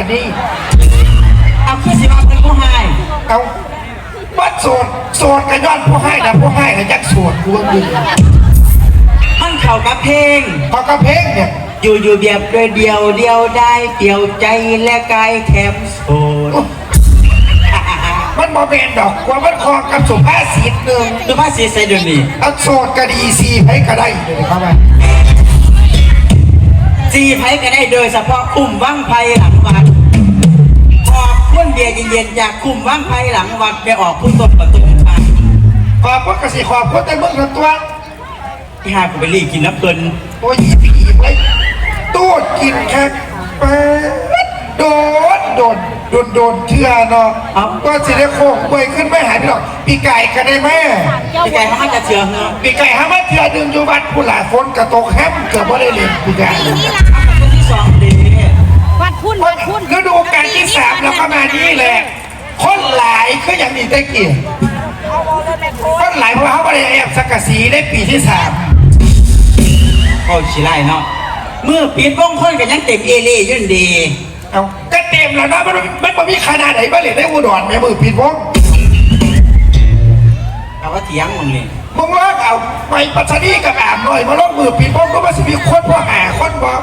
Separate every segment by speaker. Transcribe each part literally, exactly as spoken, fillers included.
Speaker 1: บัดนี้
Speaker 2: เอาขึ้นสิมาเป็นผู้ให้
Speaker 1: เอาวัดโสดโสดกันย้อนผู้ให้นะผู้ให้กันยักษ์โสดกูว่ามึง
Speaker 2: มันเข่ากับเพลง
Speaker 1: พอกระเพงเนี่ย
Speaker 2: อยู่อยู่เดียบโดยเดียวเดียวได้เปี่ยวใจและกายแถมโสด
Speaker 1: มันบอเบนดอกว่ามันคอกับสุภาษิตหนึ่ง
Speaker 2: สุภาษิตใส่เดี๋ยวนี้
Speaker 1: เอาโสดก็ดีซีไพ่ก็ได้เลยเข้ามา
Speaker 2: ซีไพ่ก็ได้โดยเฉพาะกลุ่มว่างไพ่หลังวัดพอพุ่นเบียร์เย็นๆจากกลุ่มว่างไพ่หลังวัดไปออกพุ่นต้นประตูมา
Speaker 1: ขอบพุทธกสิขอบพุทธแต่เมื่อตัว
Speaker 2: ที่หากูไปรีกินน้ำเพลิน
Speaker 1: โอ้ยผีไปตูดกินแค่ไปโดนโดนโดนโดนเชื่อเนาะก็สิได้โค้งไปขึ้นไม่หายไปหรอกปีไก่กันได้ไหม
Speaker 2: ปีไก่เขาจะเชื่อเหรอ
Speaker 1: ปีไก่เขาไม่เชื่อดึงอยู่วัดผู้หลายฝนกระตกแฮมเกือบไม่ได้เรียนปีไก่
Speaker 2: ที่สองดี
Speaker 3: วัดพุ่นวัดพุ่น
Speaker 1: ฤดูกาลที่สามแล้วก็มานี้แหละคนหลายก็ยังมีตะเกียบคนหลายเพราะเขาไม่ได้แอบสักกะสีได้ปีที่สาม
Speaker 2: โอ้ชิไลเนาะเมื่อปีนวงคนกันยังเต็มเอเล่ยุ่นดี
Speaker 1: เอาก็เต็มแล้วนะมันมันมันมีขนาดไหนบ้างเลยได้อุดรแม่มือปีนวง
Speaker 2: เอาว่าเถียงมึงเลย
Speaker 1: มึงว่าเอาไปปัจจุบันกับอาบหน่อยมาลงมือปีนวงก็มาสิมีคนพ่อหาคนบอก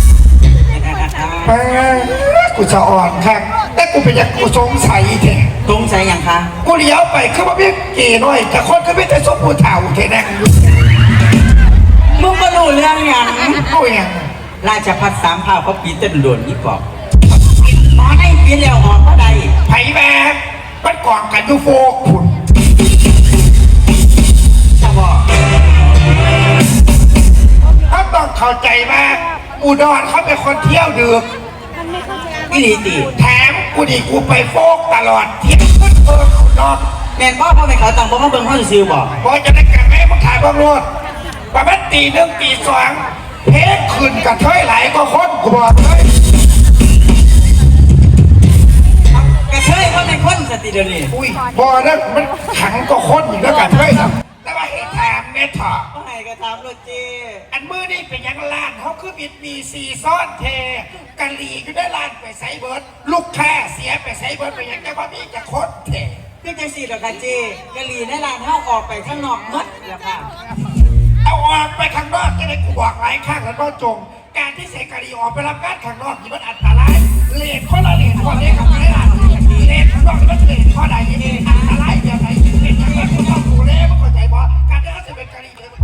Speaker 1: กูจะอ่อนครับแต่กูเป็นอย่างกูสงสัยแท้
Speaker 2: สงสัยอย่างคะ
Speaker 1: กูเลี้ยวไปคือว่าพี่เก๋หน่อยแต่คนก็ไม่ได้สมบูรณ์เท่าแท้แน่
Speaker 2: มึงมาดูเรื่องอย่าง
Speaker 1: กูอย่าง
Speaker 2: ราชพัฒสามภาพเขาปีเต้นโดนนี่กอบหมอให้ปีแล้วหอมเพราะใด
Speaker 1: ไผ่แบบมันกองกันยูโฟขุน
Speaker 2: จะบอก
Speaker 1: เขาต้องเข้าใจว่าอุดรเขาเป็นคนเที่ยวดึก
Speaker 2: วิธีตี
Speaker 1: แถมกูดีกูไปโฟกตลอดเที่ยวขึ้นเบิร์ขุนนอน
Speaker 2: แมนพ่อพ่อไปเขาตังพ่อมาเบิ้งพ่อซิวบอก
Speaker 1: พอจะได้แก่แม่มาถ่ายบังรถประมาณตีหนึ่งตีสองเพชรขึ้นกับเทยไหลก็คนกูบอกเลย
Speaker 2: กระเทยเขาเป็นคนสติเดียวนี้
Speaker 1: อุ้ยบอนั้นมันขังก็คนอยู่แล้วกันเทยครับแต่ว่าเหตุถามเนี่ยถอด
Speaker 2: ก็ให้กระทำรถเจ
Speaker 1: อันมือนี่เป็นยังล้านเขาคือบิดมีซีซ่อนเทกะหลีก็ได้ล้านไปใส่เบิร์ดลูกแค่เสียไปใส่เบิร์ดไปยังจะว่ามีจะโคตรเท
Speaker 2: พี่เจสี่หรอกค่ะเจกะหลีในร้านเขาออกไปข้างนอกมัดแล้วค่ะ
Speaker 1: เอาออกไปข้างนอกจะได้กูบอกหลายข้างแล้วก็จงการที่เสกะหลีออกไปรับการข้างนอกนี่มันอันตรายเลนข้อละเลนข้อเล็กกับไม่ละเลนข้างนอกมันเลนข้อใดเองอันตรายอย่างไรเลนอย่างไรกูต้องดูแลมันเข้าใจบ่การที่เขาจะเป็นกะหลีเลย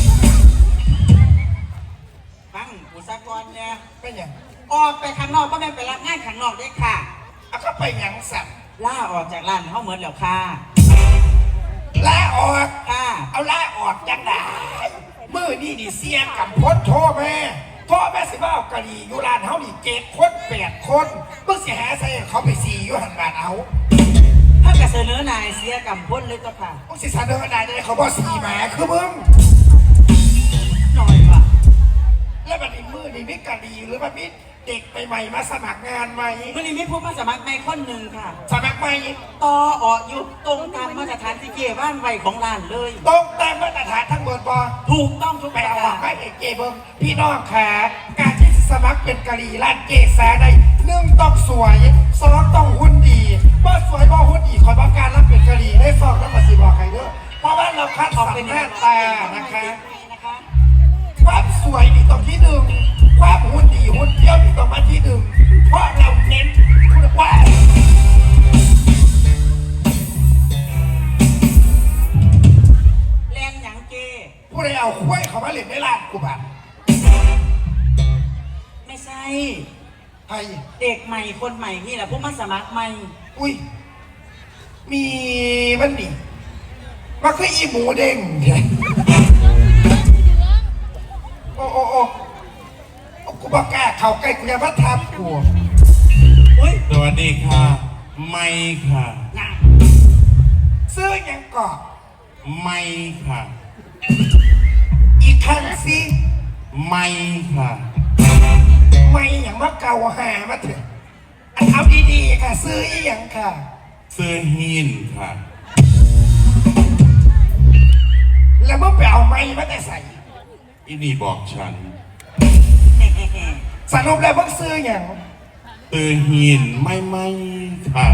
Speaker 2: ฟังอุตสาหกรรมเนี่ย
Speaker 1: เป็นอย่าง
Speaker 2: ออกไปข้างนอกก็ไม่ไปรับงานข้างนอกได้ค่ะ
Speaker 1: เอาเข้าไปอย่างสัตว์
Speaker 2: ล่าออกจากร้านเขาเหมือนแล้วค่ะ
Speaker 1: ล่าออก
Speaker 2: ค่ะ
Speaker 1: เอาล่าออกจังไหนมือนี่ดิเสียกับพ้นโทษแม่พ่อแม่สิบ้ากะหรี่อยู่ร้านเขาดิเจ็ดคนแปดคนเพิ่งเสียหายใส่เขาไปสี่อยู่หันบ้านเอา
Speaker 2: ถ้ากระเสนอนายเสียกับพ้นเลยก็ค่ะ
Speaker 1: พวกสิเสนอนายจะได้เขาบอกสี่หมาคือมึง
Speaker 2: หน่อยว่ะ
Speaker 1: แล้วมันมีมือนี่มิกะหรี่หรือมันมีเด็กใหม่ๆมาสมัครงานใหม่
Speaker 2: มื่อนี้มีผู้มาสมัครใหม่คนหนึ่งค่ะ
Speaker 1: สมัครใหม่
Speaker 2: ต่อออกอยู่ตรงตามมาตรฐานที่เกี่ยวบ้านไวของร้านเลย
Speaker 1: ตรงตามมาตรฐานทั้งหมดบอ
Speaker 2: ถูกต้องทุก
Speaker 1: ไปเอาออกไปเอกเจเบิ้งพี่น้องขาการที่สมัครเป็นกะหรี่ร้านเกษาได้หนึ่งต้องสวยสองต้องหุ่นดีบ่สวยบ่หุ่นดีคอยบอกการรับเป็นกะหรี่ได้ฟอกแล้วมาสิบอกใครเด้อเพราะว่าเราคัดสรรหน้าตานะคะความสวยนี่ต้องที่หนึ่งความหุ่นดีหุ่นเที่ยวนี่ต้องมาที่หนึ่งเพราะเราเน้นคุณภาพ
Speaker 2: แรงหยังเจ
Speaker 1: ผู้ใดเอาคุ้ยเขามาเล่นในร้านกูบ้าน
Speaker 2: ไม่ใช่
Speaker 1: ใคร
Speaker 2: เด็กใหม่คนใหม่นี่แหละพวกมาสมัครใหม่
Speaker 1: อุ้ยมีมันนี่มันคืออีหมูเด้งเนี่ยโอ้โอ้โอ้กูบอกแกเขาใกล้กูจะมาทำกู
Speaker 4: สวัสดีค่ะไม่ค่ะ
Speaker 1: ซื้อยังเกาะ
Speaker 4: ไม่ค่ะ
Speaker 1: อีกครั้งสิ
Speaker 4: ไม่ค่ะ
Speaker 1: ไม่อย่างว่าเก่าหามาเถอะเอาดีๆค่ะซื้ออีอย่างค่ะ
Speaker 4: ซื้อหินค่ะ
Speaker 1: แล้วเมื่อไปเอาไม้มาแต่ใส่
Speaker 4: อีนี่บอกฉัน
Speaker 1: สรุปแล้วเพิ่งซื้ออย่าง
Speaker 4: ตื่นหินไม่ไม่ค่ะ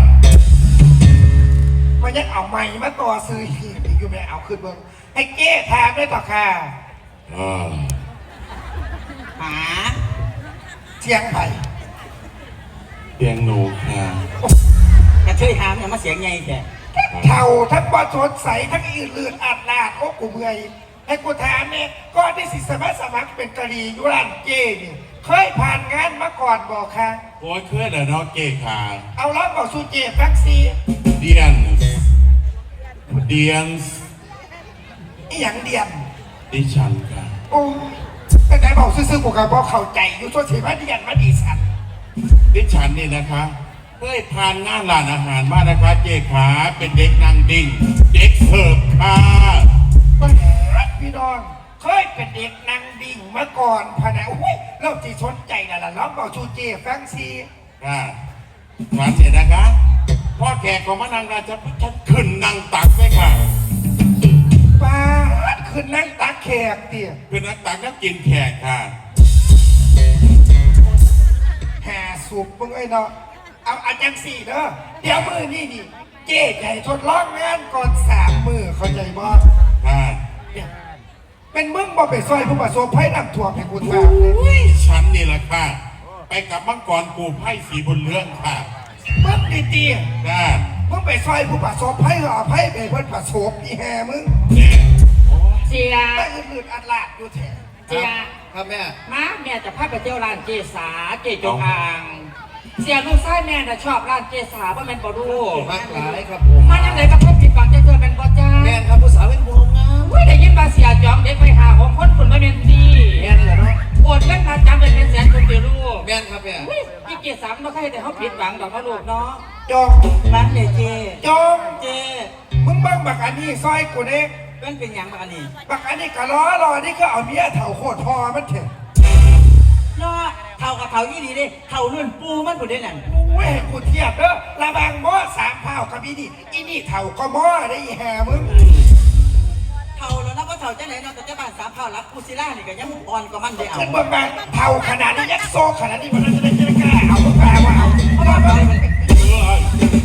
Speaker 1: มันยังเอาไม้มาต่อซื้อหีบอีกอยู่ไม่เอาขึ้นเบิ้งให้เก้ถามได้ต่อค่ะ
Speaker 4: อ่า
Speaker 2: หา
Speaker 1: เชียงไผ่
Speaker 4: เตียงหนูค่ะ
Speaker 2: กระเทยหามเนี่ยมาเสียงไงแก
Speaker 1: เท่าทั้งบอสดใสทั้งอื่นลื่นอัดลาดโอ้กูเมื่อยให้กูถามเนี่ยก็ได้สิสมัครสมัครเป็นกะหรี่ยุรันเจ้นี่เคยผ่านงานมาก่อนบอกค่ะ
Speaker 4: โอ้ยเคลื่อนเหรอเนาะเก๋ค่ะ
Speaker 1: เอาล้อบอกสูเจฟักซี
Speaker 4: เดียนเดียน
Speaker 1: อีหยังเดียน
Speaker 4: ดิฉันค่ะ
Speaker 1: โอ้แต่ไหนบอกซื่อๆกูก็บอกเข้าใจอยู่ส่วนสีมาเดียนมาดีสัน
Speaker 4: ดิฉันนี่นะคะเคยผ่านงานร้านอาหารมานะคะเก๋ขาเป็นเด็กนางดิ่งเด็กเสิร์ฟค่ะ
Speaker 1: พี่น้องเคยเป็นเด็กนางดิ่งมาก่อนพะนะอุ้ยเราที่สนใจน่ะล่ะล้อบอกสูเจฟักซี
Speaker 4: ค่ะฉันเนี่ยนะคะพ่อแขกของมานางราชพัฒน์ขึ้นนางตักเลยค่ะ
Speaker 1: ป้าดขึ้นนั่งตักแขกเตี่ย
Speaker 4: ขึ้นนางตักก็กินแขกค่ะ
Speaker 1: หาสูบมึงไอ้เนาะเอาอาจารย์สี่เด้อเดี๋ยวมือนี่นี่เจ๊ใหญ่ทดลองงานก่อนสามมือเข้าใจบ่
Speaker 4: ค่ะ
Speaker 1: เนี่ยเป็นมึงบ่ไปซอยผู้ประสบภัยน้ำท่วมให้กูถามเลย
Speaker 4: อุ้ยฉันนี่แหละค่ะ ไปกับมังกรกูไพ่สีบนเรื่องค่ะ
Speaker 1: มึงดีตี
Speaker 4: ค่ะ
Speaker 1: มึงไปซอยผู้ประสบภัยเหรอภัยไปเพิ่นประสบอีแห่มึง
Speaker 4: เนี่ยโอ้ย
Speaker 3: เสีย
Speaker 1: แต่อื่นๆอัดลาดอยู่แท้
Speaker 3: เสีย
Speaker 2: ครับแม่
Speaker 3: มาแม่จะพาไปเที่ยวร้านเจสาเจจงอางเสียลูกชายแม่น่ะชอบร้านเจสาเพราะมันบ่รู้
Speaker 2: มากหลายครับผม
Speaker 3: มาจังไหนก็พบผิดหวังจะเจอเป็นบ่จ้า
Speaker 2: แม่นครับผู้สาวเป็นผู้งาม
Speaker 3: อุ้ยได้ยินว่าเสียจอมเด็กไปหาหกคนคนมาเมนตี
Speaker 2: แม่นเหรอเนาะ
Speaker 3: โอดเงินมาจำเป็นแสนคนเดียวลูก
Speaker 2: แม่นครับแม่
Speaker 3: อุ้ยอีเจสามบ่ใครแต่เขาผิดหวังดอกนะลูกเนาะ
Speaker 1: จอง
Speaker 2: ร้านเดเจ
Speaker 1: จอง
Speaker 2: เจ
Speaker 1: มึงเบิ่งบักอันนี้ซอยกูเด้
Speaker 2: เป็นเป็นหยังบ้างอันนี้
Speaker 1: บักอันนี้กะล้อรอนี่ก็เอาเมียเถ่าโคตรพอมันเถอะ
Speaker 2: เนาะเท่ากับเท่ายี่ดีเด้เท่ารุ่นปูมันผู้เด่นนั่น
Speaker 1: โอ้ยกูเทียบเด้อระบางหม้อสามเผากับอีนี่อีนี่เถ่าก็หม้อได้อีแห่มึง
Speaker 2: เท่าแล้วนับว่าเท่าจังไหนเนาะแต่เจ้าบ้านสามเท่ารับกูซิล่านี่ก็ยังอ่อนกว่ามันได้เอา
Speaker 1: ฉันเบิ่งมาเท่าขนาดนี้ยักษ์โซขนาดนี้มันจะได้จะได้กล้าเอามึงกล้าว่าเอาเพราะว่ามัน
Speaker 4: เอ้ย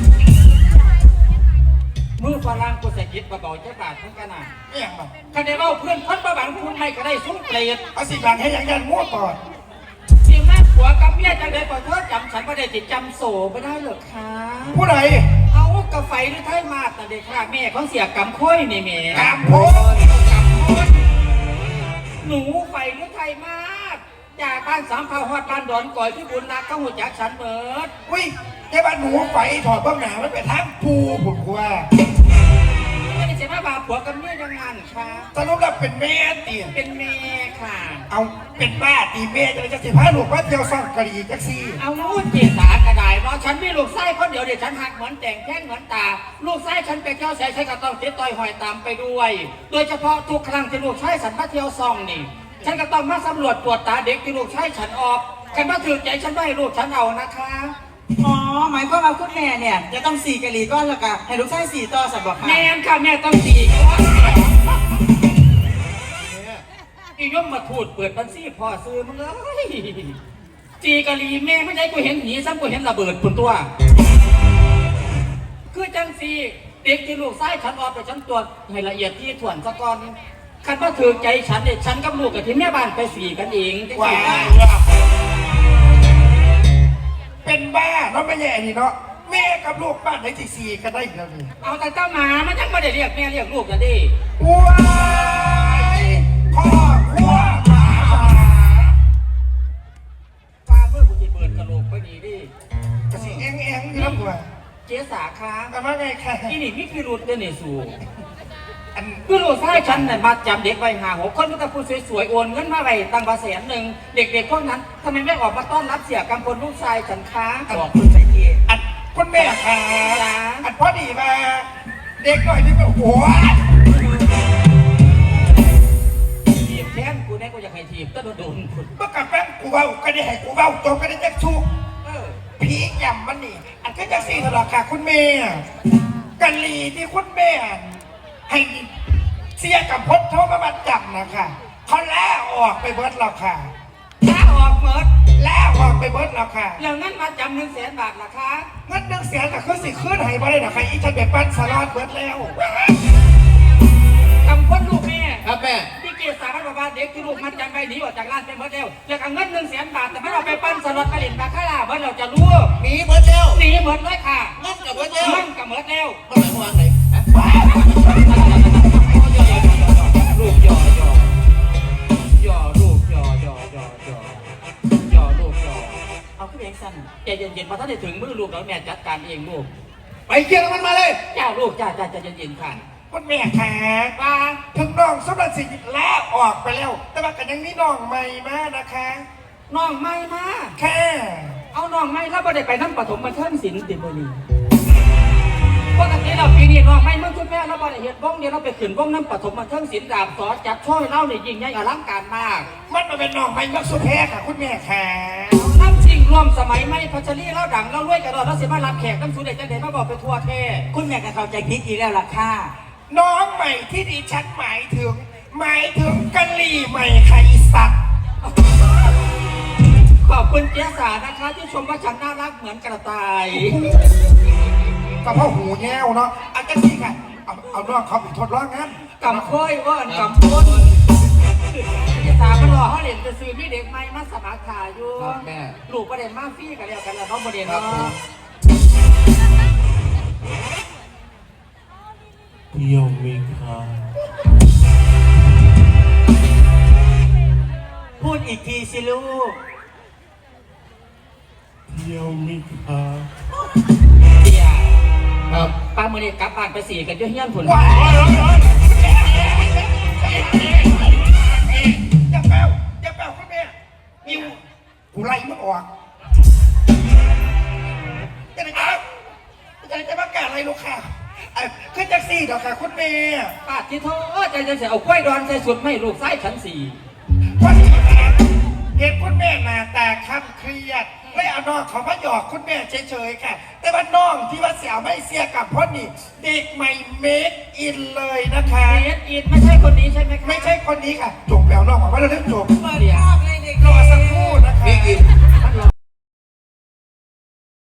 Speaker 3: มือฝรั่งกูใส่กิจมาบอกเจ้าบาททั้งกันน่ะ
Speaker 1: เนี่ยมัน
Speaker 3: คันได้เล่าเพื่อนคนประบังคุณไม่ก็ได้ซุ้มเปรต
Speaker 1: เอาสิบังให้ยังยันมั่วก่อน
Speaker 3: สิ่งแม่ผัวกับเมียจังเลยขอโทษจำฉันไม่ได้ติดจำโสไม่ได้หรอกค่ะ
Speaker 1: ผู้ใด
Speaker 3: เอากระไฟหรือไทยมาดแต่เด็กค่ะแม่เขาเสียกำค้อยนี่แม่
Speaker 1: ตามโพส
Speaker 3: กำค้อยหนูไฟหรือไทยมาดจากบ้านสามเผาฮอดบ้านดอนก่อยที่บุญรักเข้าหัวจักฉันเบิด
Speaker 1: อุ้ยแค่บ้านหนูไฟถอดเบ้างหนามันเป็นทางปูผมกว่า
Speaker 3: ไม่ได้เสียมาบาผัวกับเมียยังงานค่ะ
Speaker 1: สรุปแล้วเป็นแม่เตี่ย
Speaker 3: เป็นแม่ค่ะ
Speaker 1: เอาเป็นบ้าตีแม่จะจะสิพาลูกว่าเที่ยวซ่องกะหรี่จักซี่
Speaker 3: เอาลูกเจสากระไดเนาะฉันมีลูกไส้คนเดียวเดี๋ยวฉันหักเหมือนแต่งแท่งเหมือนตา ลูกไส้ฉันไปเที่ยวแสฉันก็ต้องติดต่อยหอยตามไปด้วย โดยเฉพาะทุกครั้งที่ลูกชายฉันมาเที่ยวซ่องนี่ ฉันก็ต้องมาสำรวจตรวจตาเด็กที่ลูกชายฉันออกกันมาถือใจฉันไม่ให้ลูกฉันเอานะคะ
Speaker 2: อ๋อหมายความว่าคุณแม่เนี่ยจะต้องสี่กะหรี่ก้อนและกะให้ลูกชายสี่ต่อสับบอกค่ะ
Speaker 3: แม่นค่ะแม่ต้องตีก่อนอีย่อมมาถูดเปิดบัญชีพ่อซื้อมึงเลยจีกะลีแม่ไม่ได้กูเห็นหีซ้ำกูเห็นระเบิดปุ่นตัว คือจังสีเด็กที่ลูกไส้ฉันออกไปฉันตรวจให้ละเอียดที่ถ่วนสะก่อนคันว่าถือใจฉันเนี่ยฉันกับลูกกับที่แม่บ้านไปสี่กันเองจัง
Speaker 1: ว้า
Speaker 3: สิ
Speaker 1: เป็นบ้าเนาะไม่แย่นี่เนาะแม่กับลูกบ้านไหนที่สี่กันได้อีกแล้วนี่
Speaker 3: เอาแต่เจ้าหมามันยังไม่ได้เรียกแม่เรียกลูกกันดิ
Speaker 1: ว้ายพ่อพัวหมา
Speaker 3: ปลาเมื่อกูจะเปิดกระโหลกไปดีดิ
Speaker 1: กระสีเอ็งเอ็งอยู่แล้วกว่า
Speaker 3: เจ๊สาค้า
Speaker 1: แต่ว่าไงค่ะ
Speaker 3: อีนี่มีพิรุษเดนนี่สู
Speaker 1: อัน
Speaker 3: คือลูกชายฉันเนี่ยมาจำเด็กไว้หาหกคนมันก็พูดสวยๆโอนเงินมาไว้ตั้งบาแสนหนึ่งเด็กๆพวกนั้นทำไมไม่ออกมาต้อนรับเสียกำพลลูกชายฉันค้า
Speaker 2: บอกคุณใส่ที
Speaker 1: อันคุณแม่ค่ะ
Speaker 3: จ้า
Speaker 1: อันพอดีมาเด็กหน่อยนี่แบบโอ้ย
Speaker 3: ทีบแทนกูเนี่ยกูอยากให้ทีบก็โดนๆคุณ
Speaker 1: เมื่อกับแฟนกูเบ้าก็ได้ให้กูเบ้าจบก็ได้จักชู
Speaker 3: เออ
Speaker 1: ผียำมันนี่อันก็จะสี่ตลอดค่ะคุณแม่กะลีที่คุณแม่ให้เสียกับพจน์โทรมาบัดจับนะคะเขาล่าออกไปเบิดแล้วค่ะ
Speaker 3: ถ้าออกเมิด
Speaker 1: ลแล้วออกไปเบิดแล้วค่ะ
Speaker 3: แล้วงั้นมาจำหนึ่งแสนบาทล่ะคะ
Speaker 1: เงินหนึ่งแสนก็คือสิขึ้นให้บ่ได้ดอกค่ะอีฉันไปปั้นสลัดเบิดแล้ว
Speaker 3: กำพ้นลูกแม่
Speaker 4: ครับแม่
Speaker 3: ที่เกศสารบาเด็กที่ลูกมันจำไปหนีออกจากร้านเป็นเบิดแล้วแล้วก็เงินหนึ่งแสนบาทแต่ไม่เอาไปปั้นสล็อตไปเล่นบาคาร่าเบิดเราจะรู้
Speaker 4: หนีเบิร์ดแล้ว
Speaker 3: หนีเหมือนเลยค่ะ
Speaker 4: นั่นกับเบิร์ดแล้ว
Speaker 3: มั่งกับเหมือนแล้ว
Speaker 4: มันหมายความว่าไงฮะ
Speaker 3: ลูกหยอหยอหยอลูกหยอหยอหยอหยอหยอลูกหยอ
Speaker 2: เอาขึ้นเองสั้น
Speaker 3: ใจเย็นๆพอท่านได้ถึงมือลูกแล้วแม่จัดการเองลูก
Speaker 4: ไปเกี่ยวมันมาเลย
Speaker 3: จ้าลูกจ้าจ้าใจเย็นๆค่ะ
Speaker 1: คุณแม่ค่ะ
Speaker 3: ว่า
Speaker 1: ถึงน้องสำหรับสิ่งแล้วออกไปแล้ว แต่ว่ากันยังมีน้องใหม่มานะคะ
Speaker 3: น้องไม่มา
Speaker 1: แค่
Speaker 3: เอาน้องไม่แล้วบ่ได้ไปน้ำปฐมบันเทิงศิลป์ติบนีปกติเราปีนี้น้องไม่เมื่อคุณแม่เราบ่ได้เห็นวงเดียวเราไปขึ้นวงน้ำปฐมบันเทิงศิลป์ดาบสอจับช่อยเล่าเนี่ยยิ่งใหญ่อลังการมาก
Speaker 1: มันมาเป็นน้องใหม่มักสุแพ้ค่ะ คุณแม่ค่ะ
Speaker 3: น้ำจริงรวมสมัยไม่พัชรีเล่าดังเล่ารวยกระโดดแล้วสิมารับแขกน้ำสูดเด็ดจังเด็ดมาบอกไปทั่วเทศ
Speaker 2: คุณแม่ก็เข้าใจผิดอีกแล้วล่ะค่ะ
Speaker 1: น้องใหม่ที่ดิฉันหมายถึง หมายถึงกะหรี่ใหม่ค่ะอีสัตว์
Speaker 3: ขอบคุณเจ๊สานะคะที่ชมว่าฉันน่ารักเหมือนกระต่าย
Speaker 1: ก็เพราะหูแง่วเนาะอาจจะนี่ค่ะ เอาเอาน้องเขาไปทดลองงาน
Speaker 3: กำค่อยว่าอันกำพ้นเจ๊สามันรอเขาเรียนจะซื้อมีเด็กใหม่มาสมัครขาอยู่
Speaker 4: ครับแม่
Speaker 3: ลูกประเด็นมาฟรี่กันแล้วกันแล้วน้องประเด็นเนาะ
Speaker 4: เที่ยวมีค่ะ
Speaker 2: พูดอีกทีสิลูก
Speaker 4: เที่ยวมีค่ะ
Speaker 3: เดี๋ยว
Speaker 4: ครับ
Speaker 3: ป้ามือนี้กลับบ้านไปสี่กันเยอะเฮี้ยนผล
Speaker 1: ว้ายอย่าแปลวอย่าแปลวคุณแม่นิวกูไล่มันออกจะไหนจะจะไหนจะประกาศอะไรลูกค่ะเอ้ยขึ้นแท็กซี่เดี๋ยวค่ะคุณแม่
Speaker 3: ป้าที่โทษใจจะเสียเอากล้วยดอนใส่สุดไม่ลูกไส้ชั้นสี่
Speaker 1: วันนี้นะเห็นคุณแม่หน้าตาคำเครียดไม่เอาน้องเขามาหยอกคุณแม่เฉยๆค่ะ แต่ว่าน้องที่ว่าเสียวไม่เสียกับพ่อนี่เด็กใหม่เมคอินเลยนะคะ
Speaker 3: เอสอินไม่ใช่คนนี้ใช่ไหมคะ
Speaker 1: ไม่ใช่คนนี้ค่ะจบแล้วน้องบอกว่าเราเล่นจบ
Speaker 2: เปิดภาพเลยเด็ก
Speaker 1: รอสักครู่นะคะ
Speaker 4: มีกิน